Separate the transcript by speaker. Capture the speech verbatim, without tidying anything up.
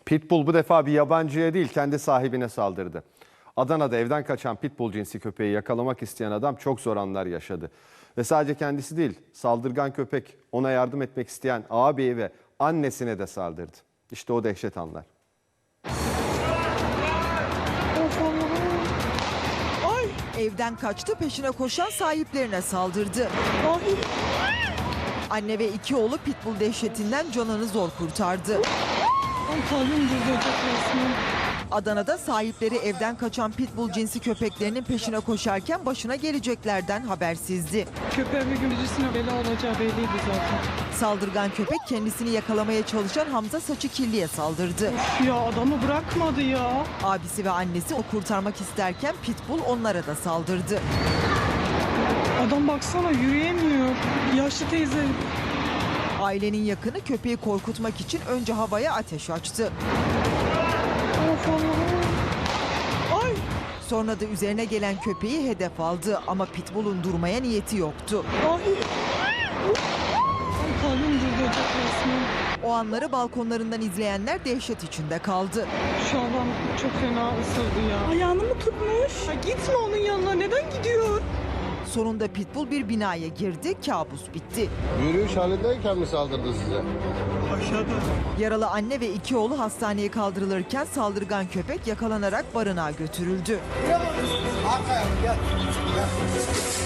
Speaker 1: Pitbull bu defa bir yabancıya değil kendi sahibine saldırdı. Adana'da evden kaçan pitbull cinsi köpeği yakalamak isteyen adam çok zor anlar yaşadı. Ve sadece kendisi değil, saldırgan köpek ona yardım etmek isteyen ağabeyi ve annesine de saldırdı. İşte o dehşet anlar.
Speaker 2: Ay! Evden kaçtı, peşine koşan sahiplerine saldırdı. Ay! Anne ve iki oğlu pitbull dehşetinden canını zor kurtardı.
Speaker 3: Ay, kalbim duracak resmen.
Speaker 2: Adana'da sahipleri evden kaçan pitbull cinsi köpeklerinin peşine koşarken başına geleceklerden habersizdi.
Speaker 3: Köpeğin bir gün birisine bela olacağı belliydi zaten.
Speaker 2: Saldırgan köpek kendisini yakalamaya çalışan Hamza Saçıkilli'ye saldırdı.
Speaker 3: Of ya, adamı bırakmadı ya.
Speaker 2: Abisi ve annesi o kurtarmak isterken pitbull onlara da saldırdı.
Speaker 3: Adam baksana yürüyemiyor. Yaşlı teyze.
Speaker 2: Ailenin yakını köpeği korkutmak için önce havaya ateş açtı.
Speaker 3: Of Allah'ım. Ay!
Speaker 2: Sonra da üzerine gelen köpeği hedef aldı ama pitbull'un durmaya niyeti yoktu.
Speaker 3: Ay! Ay, kalbim duracak resmen.
Speaker 2: O anları balkonlarından izleyenler dehşet içinde kaldı.
Speaker 3: Şu adam çok fena ısırdı ya. Ayağını mı tutmuş? Ay, gitme onun yanına. Neden gidiyor?
Speaker 2: Sonunda pitbull bir binaya girdi, kabus bitti.
Speaker 4: Yürüyüş halindeyken mi saldırdı size?
Speaker 3: Aşağıda.
Speaker 2: Yaralı anne ve iki oğlu hastaneye kaldırılırken saldırgan köpek yakalanarak barınağa götürüldü.
Speaker 5: Arkaya gel. Gel.